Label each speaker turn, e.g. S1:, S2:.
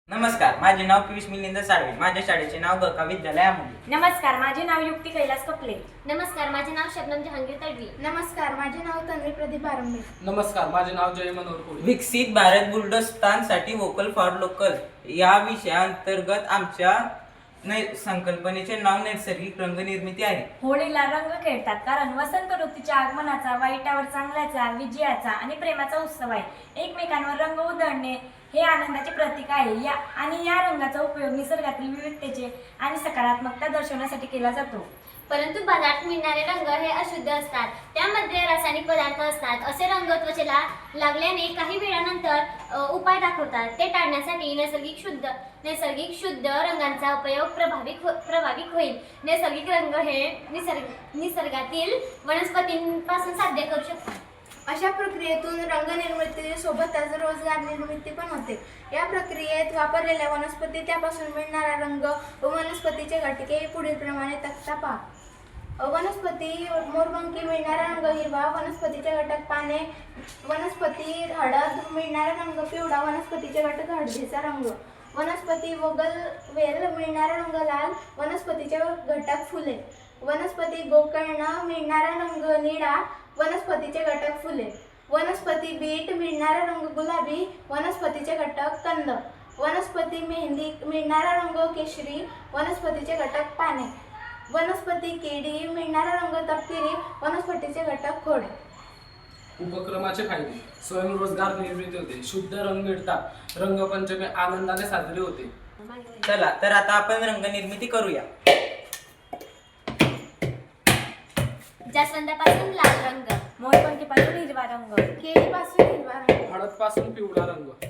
S1: नमस्कार, माझे नाव पियुष मिलिंद साळवे. माझ्या शाळेचे नाव गका विद्यालय आंबोली.
S2: नमस्कार, माझे नाव युक्ती कैलास कपले.
S3: नमस्कार, माझे नाव शबनम जहांगीर तडवी.
S4: नमस्कार, माझे नाव तन्वी प्रदीप बारंबे.
S5: नमस्कार, माझे नाव जय मनोहर कोळी.
S1: विकसित भारत बुलढाणासाठी वोकल फॉर लोकल या विषयाअंतर्गत आमच्या संकल्पनेचे नाव नैसर्गिक रंग निर्मिती आहे.
S2: होळीला रंग खेळतात कारण वसंत ऋतूच्या आगमनाचा, वाईटावर चांगल्याचा, विजयाचा आणि प्रेमाचा उत्सव आहे. एकमेकांवर रंग उधळणे हे आनंदाचे प्रतीक आहे. या रंगाचा उपयोग निसर्गातील विविधतेचे आणि सकारात्मकता दर्शवण्यासाठी केला जातो.
S3: परंतु बाजारात मिळणारे रंग हे अशुद्ध असतात. त्यामध्ये रासायनिक पदार्थ असतात. असे रंग त्वचेला लागल्याने काही वेळानंतर उपाय दाखवतात. ते टाळण्यासाठी नैसर्गिक शुद्ध रंगांचा उपयोग प्रभावी होईल. नैसर्गिक रंग हे निसर्गातील वनस्पतींपासून साध्य करू शकतात.
S4: अशा प्रक्रियेतून रंग निर्मितीसोबतच रोजगार निर्मिती पण होते. या प्रक्रियेत वापरलेल्या वनस्पती, त्यापासून मिळणारा रंग व वनस्पतीचे घटके पुढील प्रमाणे तक्ता पहा. वनस्पती मोरपंखी, मिळणारा रंग हिरवा. वनस्पतीचे घटक पाने, वनस्पती हळद, मिळणारा रंग पिवळा. वनस्पतीचे घटक हळदीचा रंग. वनस्पती बोगनवेल, मिळणारा रंग लाल. वनस्पतीचे घटक फुले. वनस्पती गोकर्ण, मिळणारा रंग निळा. वनस्पतीचे घटक फुले. वनस्पती बीट, मिळणारा रंग गुलाबी. वनस्पतीचे घटक कंद. वनस्पती मेहंदी, मिळणारा रंग केशरी. वनस्पतीचे घटक पाने. वनस्पती केळी, मिळणारा रंग तपकिरी. वनस्पतीचे घटक खोड.
S5: उपक्रमाचे फायदे: स्वयंरोजगार निर्मिती होते, शुद्ध रंग मिळतात, रंगपंचमी आनंदाने साजरी होते.
S1: चला तर आता आपण रंग निर्मिती करूया.
S3: जास्वंदापासून लाल रंग,
S2: मोरपंखीपासून हिरवा रंग,
S4: केळीपासून हिरवा रंग.
S5: हळदपासून पिवळा रंग,